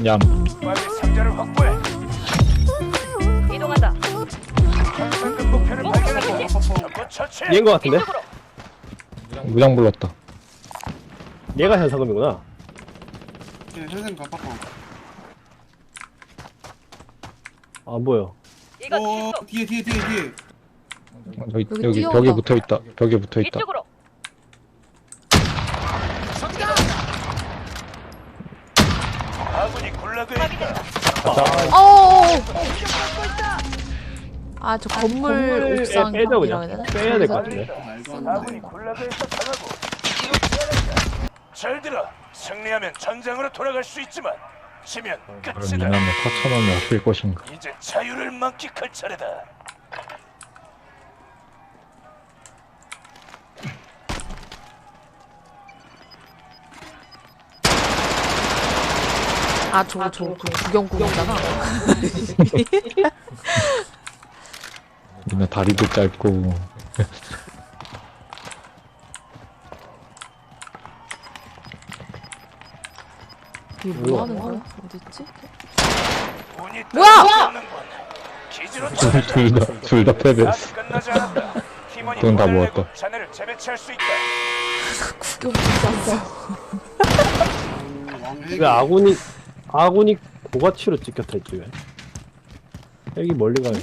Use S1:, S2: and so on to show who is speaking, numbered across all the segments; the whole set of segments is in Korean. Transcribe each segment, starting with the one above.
S1: 얌.
S2: 빨리 상자를 확보해.
S3: 이동한다.
S2: 현상금 목표를 발견했다. 적군 처치.
S4: 얘인 거 같은데?
S3: 이쪽으로.
S1: 무장 불렀다.
S4: 얘가 현상금이구나.
S5: 현생 갚았고.
S4: 안 보여.
S3: 이거
S5: 오
S3: 실수.
S5: 뒤에.
S1: 여기
S6: 여기
S1: 여기
S6: 뛰어온다.
S1: 벽에 붙어 있다. 벽에 붙어 있다.
S3: 이쪽으로.
S2: 아군이 굴락에 있다.
S6: 아, 저 건물 옥상
S4: 빼자
S6: 이라고
S4: 그냥.
S6: 해야 되나?
S4: 빼야 될 것 같은데.
S5: 말도 안
S2: 아군이
S5: 돼.
S2: 굴락에서 당하고 이거 피하겠다. 잘 들어. 승리하면 전장으로 돌아갈 수 있지만 지면
S1: 그럼
S2: 끝이다.
S1: 이남의 4,000원을 아낄 것인가?
S2: 이제 자유를 만끽할 차례다.
S6: 아, 저거 구경꾼이잖아.
S1: 이나 다리도 짧고.
S6: 이게 뭐 하는 거야? 어딨지?
S2: 운이
S6: 뭐야!
S2: 따라오는군. 기지로 쳐내자.
S1: 둘 다 패배했어.
S2: 아직 끝나지 않았다. 팀원이
S1: 돈다
S2: 돈을
S1: 모았다.
S2: 내고 자네를 재배치할 수 있다.
S6: 구경꾼 쌌어.
S5: 왕핵.
S4: 왜 아군이 고가치로 찍혔다 했지 왜? 여기 멀리 가요.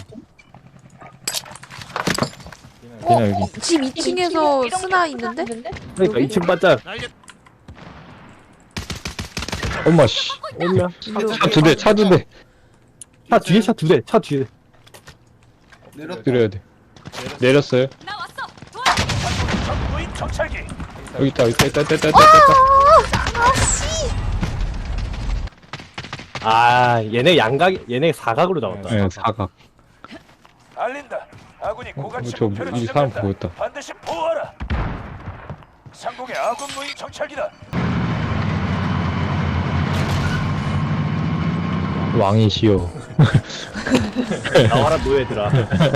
S1: 그냥 여기.
S6: 집 2층에서 스나 있는데?
S4: 그러니까
S6: 여기?
S4: 2층 반짝
S1: 엄마 씨.
S4: 오면
S1: 차 두 대.
S4: 차 뒤에 차 두 대. 차 뒤에.
S5: 내렸다.
S1: 드려야 돼. 내렸어요.
S3: 나 왔어.
S2: 적무인 정찰기.
S1: 여기 있다. 있다.
S4: 아 얘네 얘네 사각으로 잡았다.
S1: 네, 사각.
S2: 알린다. 아군이 고가치
S1: 저
S2: 목표를
S1: 이 사람
S2: 지정한다.
S1: 보였다.
S2: 반드시 보호하라. 상공의 아군 무인 정찰기다.
S1: 왕이시여.
S4: 나와라 노예들아.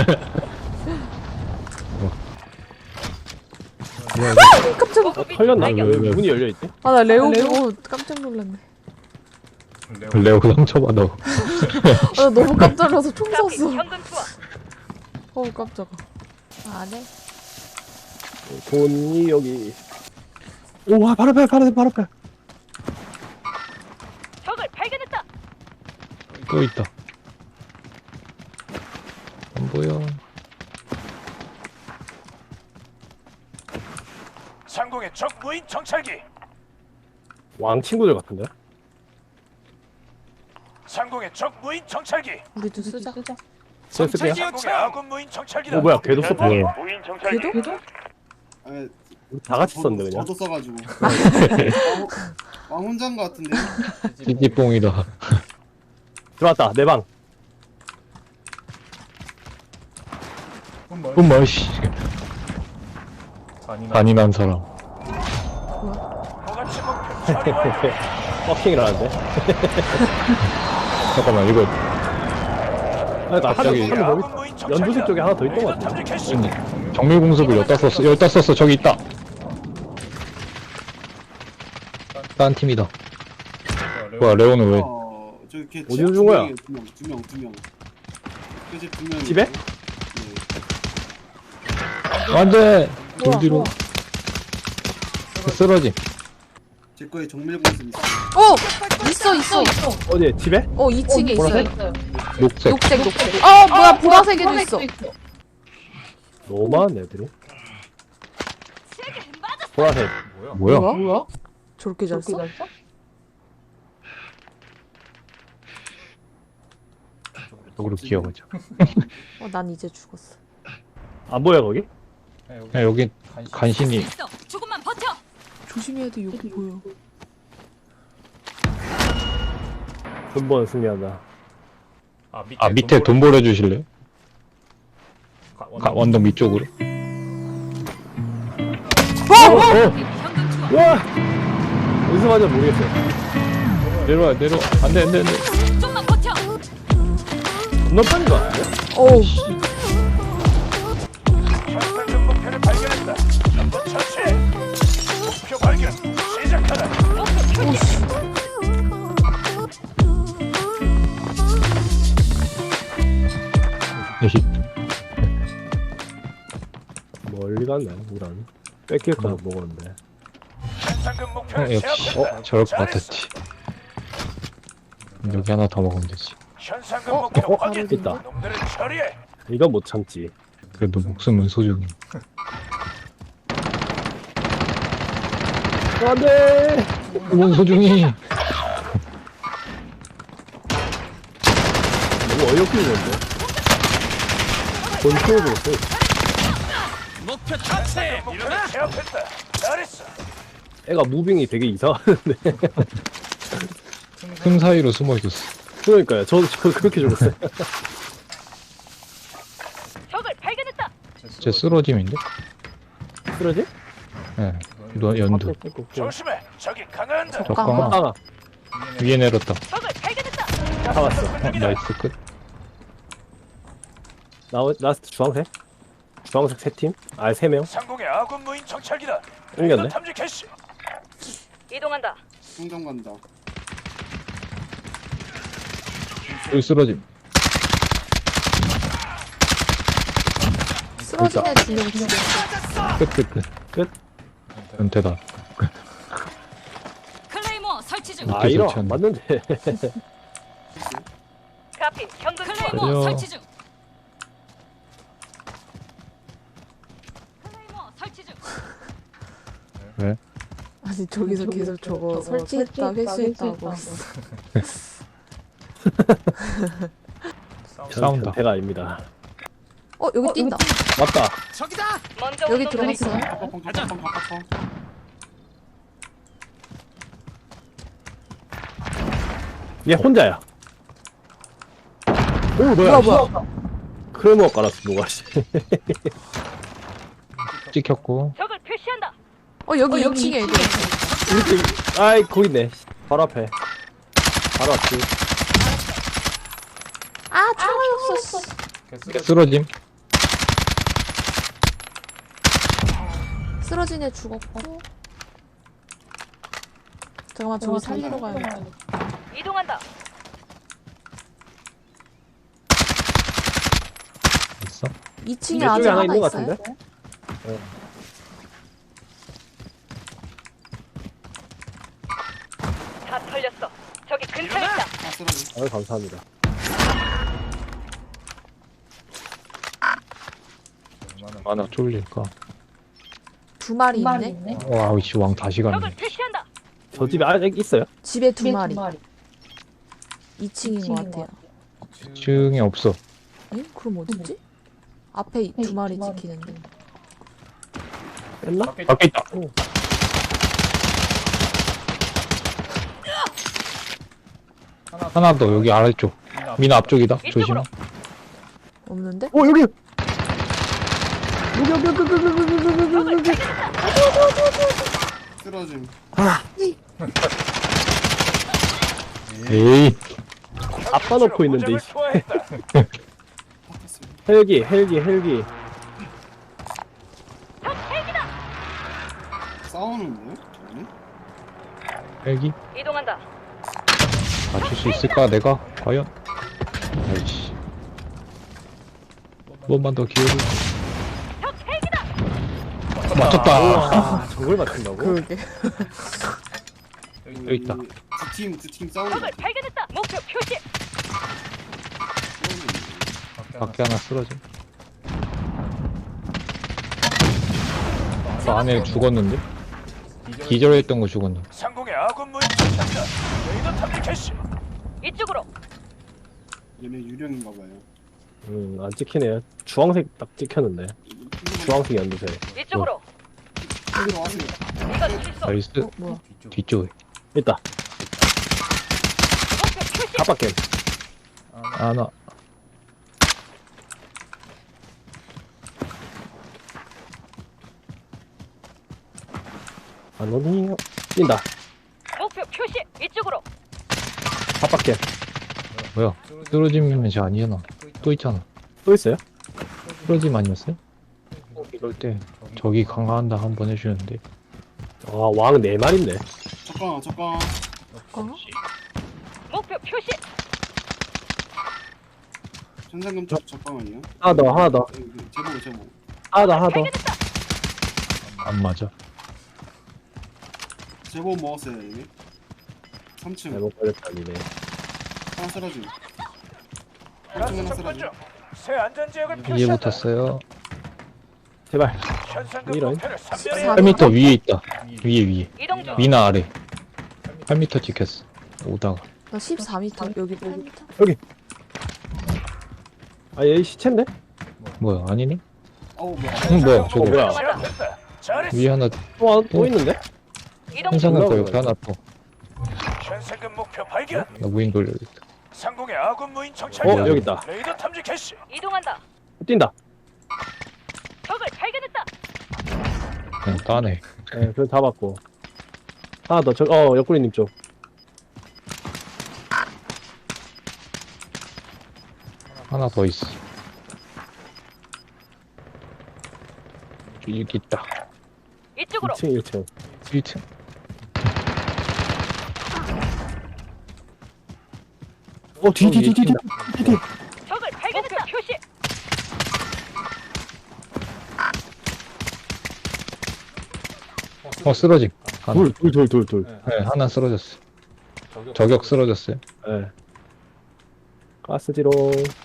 S6: 깜짝아.
S4: 털렸나?
S3: 발견.
S4: 왜 문이 열려 있지?
S6: 아, 나 레오 보고 깜짝 놀랐네.
S1: 레오 상처받아.
S6: 아, 나 너무 깜짝 놀라서 총
S3: 트래픽
S6: 쐈어.
S3: 현금 투하.
S6: 어우, 깜짝아. 안 해?
S4: 돈이 여기. 오와 바로 앞에.
S3: 적을 발견했다.
S1: 또 있다. 안 보여.
S2: 상공의 적 무인 정찰기.
S4: 왕 친구들 같은데?
S2: 상공의 적 무인 정찰기.
S6: 우리도 쓰자.
S4: 제가 쓸게요.
S2: 상공의 아군 무인 정찰기다.
S4: 어 뭐야 걔도 썼다.
S1: 뭐야.
S2: 무인 정찰기.
S6: 걔도?
S5: 아,
S4: 다 같이 썼네 그냥.
S5: 저도 써가지고. 왕 혼자인 것 같은데.
S1: 찌찌뽕이다.
S4: 들어왔다 내 방.
S1: 엄마 씨. 잔인한 사람.
S2: 고가치 목표 처리 완료.
S4: 버킹을 하는데.
S1: 잠깐만 이거
S4: 그러니까
S1: 갑자기
S4: 한명
S2: 아군
S4: 거기
S2: 무인 정찰기다.
S4: 연두색 쪽에 하나 더 있던 것
S2: 레이더
S4: 같은데.
S2: 탐지 캐시.
S1: 정밀 공습을 여기다 썼어. 저기 있다. 딴 팀이다. 뭐야 레오는 왜?
S5: 저기 걔
S4: 어디로 준 거야?
S5: 두 명. 그집 두 명.
S4: 집에?
S1: 안돼.
S6: 뭐야,
S1: 돌 뒤로.
S6: 뭐야.
S1: 쓰러짐.
S5: 제 거에 정밀 공습 있어.
S6: 있어.
S4: 어디 집에?
S6: 2층에
S4: 보라색?
S6: 있어요.
S1: 녹색.
S6: 녹색. 아, 뭐야, 보라색에도 있어.
S4: 너무 많네 애들이. 보라색.
S1: 뭐야?
S6: 저렇게 잘 써?
S1: 쪽으로 기어가자.
S6: 난 이제 죽었어.
S4: 안 보여 거기?
S1: 야, 여기 간신히
S3: 있어. 조금만 버텨.
S6: 조심해야 돼, 여기 보여.
S4: 근본 승리한다.
S1: 아 밑에 돈 벌어주실래요? 원동 밑쪽으로.
S3: 현금 투하.
S4: 와! 어디서 맞아 모르겠어.
S1: 내려와. 안돼.
S3: 좀만 버텨.
S4: 겁나 빠진 거 같은데?
S6: 어우,
S2: 현상금 목표를 발견했다. 전부 처치. 목표 발견. 시작하라.
S4: 멀리 갔네 이런. 뺏길까 먹었는데.
S2: 현상금 목표를
S1: 역시
S2: 제압했다.
S1: 저럴 것
S2: 잘했어.
S1: 같았지. 여기 하나 더 먹으면 되지.
S2: 현상금 목표 확인.
S4: 있다.
S2: 놈들을 처리해.
S4: 이건 못 참지.
S1: 그래도 목숨은 소중히.
S4: 안돼.
S1: 목숨은 소중히.
S4: 너무 어이없게 건데. 본투어도 없어.
S2: 목표를 제압했다. 잘했어.
S4: 애가 무빙이 되게 이상하는데.
S1: 틈 사이로 숨어 있었어.
S4: 그러니까요. 저도 그렇게 죽었어요.
S3: 적을 발견했다.
S1: 제 쓰러짐인데?
S4: 쓰러지?
S1: 예. 연두.
S2: 조심해. 저기 강한다.
S1: 적강아.
S4: 하나
S1: 위에 내렸다.
S3: 적을 발견했다.
S4: 잡았어.
S1: 나이스 끝.
S4: 라스트 주황색? 주황색 3팀? 아 3명?
S2: 상공의 아군 무인 정찰기다.
S4: 옮겼네.
S2: 레이더 탐지 캐시.
S3: 이동한다.
S5: 성장 간다.
S1: 여기 쓰러짐.
S6: 쓰러진 애 2명 죽여.
S1: 끝. 은퇴다.
S3: 클레이모 설치 중.
S4: 아 이런
S1: 설치한다.
S4: 맞는데.
S3: 카피 현금 클레이모
S1: 달려.
S3: 설치 중. 클레이모 설치 중.
S1: 왜?
S6: 아니 저기서 계속 저거 설치했다 회수했다고.
S1: 싸운다.
S4: 배가 아닙니다.
S6: 여기 뛴다.
S4: 맞다.
S3: 먼저
S6: 여기
S3: 운동
S6: 들어갔어요.
S5: 가파펑.
S4: 얘 혼자야. 오 뭐야? 크레모 깔았어 누가 씨.
S1: 찍혔고.
S3: 적을 표시한다.
S6: 여기 2층에 애들 있어.
S4: 이렇게 아이 거기 있네. 바로 앞에. 바로 앞에.
S6: 아 총알이 없어.
S1: 쓰러짐.
S6: 쓰러진 애 죽었고. 잠깐만 저기 살리러 가야겠다.
S3: 이동한다.
S1: 있어?
S6: 2층에
S4: 이쪽에
S6: 아직
S4: 하나
S6: 하나
S4: 있는 것
S6: 있어요?
S4: 같은데?
S3: 다 털렸어. 저기 근처에 있다.
S5: 아 쓰러지.
S4: 아유 감사합니다.
S1: 얼마나 쫄릴까?
S6: 2마리 있네.
S1: 와우, 씨, 왕 다시
S3: 적을
S1: 갔네.
S3: 표시한다.
S4: 저 집에 아직 있어요?
S6: 집에 2마리. 2층인 것 같아요.
S1: 층에 없어.
S6: 응? 그럼 어딨지? 앞에 2마리 지키는데.
S4: 뺐나?
S1: 밖에 있다. 하나 더, 여기 아래쪽. 미나 앞쪽이다. 조심.
S6: 없는데?
S4: 오 여기.
S5: 쓰러짐.
S1: 에이,
S4: 아빠 놓고 있는데
S2: 무장을
S4: 이씨.
S2: 투하했다.
S4: 헬기.
S5: 싸우는데? 아니?
S1: 헬기?
S3: 이동한다.
S1: 맞출 수 있을까, 내가? 과연? 아이씨. 한 번만 더 기회를.
S3: 적 헬기다.
S1: 맞췄다.
S4: 아 저걸 맞춘다고?
S6: 그러게.
S1: 여기 있다.
S5: 두팀 싸우는
S3: 적을 발견했다. 목표 표시.
S1: 밖에 하나 쓰러져. 아까 안에 죽었는데? 기절했던 거 죽었는데.
S2: 상공의 아군 무인 정찰기다. 레이더 탐지 캐시.
S3: 이쪽으로.
S5: 얘네 유령인가 봐요.
S4: 안 찍히네요. 주황색 딱 찍혔는데. 주황색 연두색.
S3: 이쪽으로.
S5: 여기로 와세요.
S3: 이건 실수.
S1: 나이스.
S6: 뭐야?
S1: 뒤쪽에.
S4: 있다.
S3: 목표 표시.
S4: 가빡게.
S1: 하나.
S4: 안 오니? 뛴다.
S3: 목표 표시. 이쪽으로.
S4: 가빡게.
S1: 뭐야? 쓰러짐이면 쟤 아니잖아. 또 있잖아.
S4: 또 있어요?
S1: 쓰러짐 아니었어요? 이럴 때 저기 강화한다 한번 해주는데.
S4: 아, 왕 4마리인데.
S5: 잠깐.
S3: 목표 표시.
S5: 천상금 쪽 적방아니에요?
S4: 하나 더, 하나 더.
S5: 제보.
S4: 하나 더, 하나 더.
S1: 안 맞아.
S5: 제보 먹었어요 이미. 3층
S4: 잘못 걸렸다, 니네.
S5: 하나 쓰러짐.
S2: 가스
S5: 하나
S2: 접근
S5: 쓰러짐.
S2: 중. 새 안전지역을
S1: 위에
S2: 표시한다.
S1: 붙었어요.
S4: 제발.
S2: 현상금
S4: 이런.
S2: 목표를
S6: 14
S2: 300m
S1: 8m 위에 있다. 위에.
S3: 이동 중.
S1: 위나 아래. 8m 찍혔어. 오다가.
S6: 나 14m 여기 8m.
S4: 아, 얘 시체인데?
S1: 뭐야, 아니네?
S5: 어우 뭐야.
S1: 뭐야, 저거.
S4: 뭐야.
S2: 제압했다. 잘했어.
S1: 위에 하나,
S4: 또 있는데?
S3: 이동 중.
S1: 현상금 거
S4: 올라오네.
S1: 옆에 하나 또.
S2: 현상금 목표 발견.
S1: 나 무인 돌려야겠다.
S2: 상공의 아군 무인 정찰기다.
S4: 여기 있다.
S2: 레이더 탐지 캐시.
S3: 이동한다.
S4: 뛴다.
S3: 적을 발견했다.
S1: 그냥 따네.
S4: 네, 그래 잡았고. 하나 더, 옆구리님 쪽.
S1: 하나 더 있어. 여기 있다.
S3: 이쪽으로.
S4: 2층, 1층.
S1: 1층.
S4: 뒤.
S3: 적을 발견했다. 표시.
S1: 쓰러짐. 하나.
S4: 둘.
S1: 네, 하나 쓰러졌어. 저격 쓰러졌어요.
S4: 네. 가스지롱.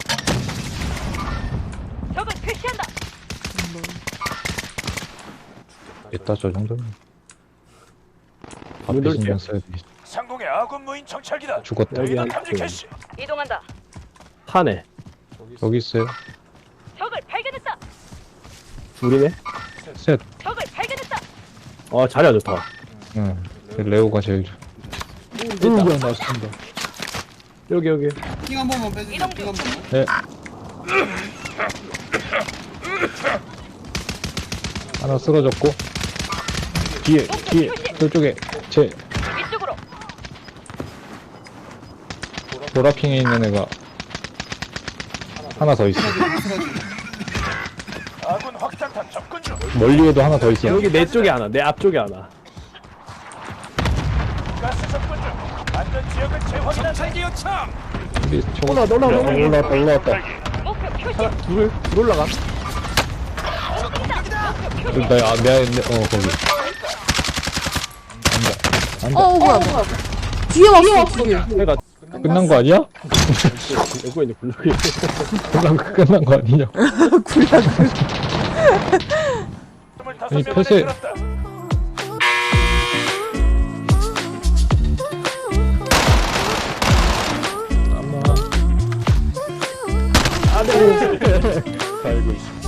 S3: 적을 표시한다.
S1: 됐다, 저 정도면.
S4: 문
S1: 앞에
S4: 돌게요.
S1: 신경 써야 돼.
S2: 상공의 아군 무인 정찰기다.
S1: 죽었다.
S4: 여기
S2: 레이더
S4: 한
S2: 탐지
S4: 층.
S2: 캐시.
S3: 이동한다.
S4: 타네.
S1: 여기 있어요.
S3: 적을 발견했다.
S4: 둘이네.
S1: 셋.
S3: 적을 발견했다.
S4: 자리야 좋다.
S1: 응. 레오가 제일 좋아.
S4: 뭐야,
S1: 나 쏜다.
S4: 여기.
S5: 핑한 번만 빼주세요.
S3: 이동
S5: 핑한 번만.
S1: 네. 하나 쓰러졌고. 뒤에, 저쪽에,
S3: 이쪽으로.
S1: 보라핑에 있는 애가 하나 더 있어.
S2: 아군 확장탄 접근 중.
S1: 멀리에도 하나 더 있어.
S4: 여기 내 쪽에 하나, 내 앞쪽에 하나.
S2: 가스 접근 중. 안전지역을 재확인한다. 정찰기 요청.
S1: 우리 저거
S4: 올라왔다.
S3: 목표 표시.
S4: 둘 올라가.
S1: 거기.
S6: 뭐야. 뒤에 왔어, 뒤에.
S4: 내가
S1: 끝난 거 아니야?
S4: 여기 있는 굴러기.
S1: 끝난 거 아니냐?
S2: 25명 안에
S1: 폐쇄.
S2: 들었다.
S1: 알고 있어.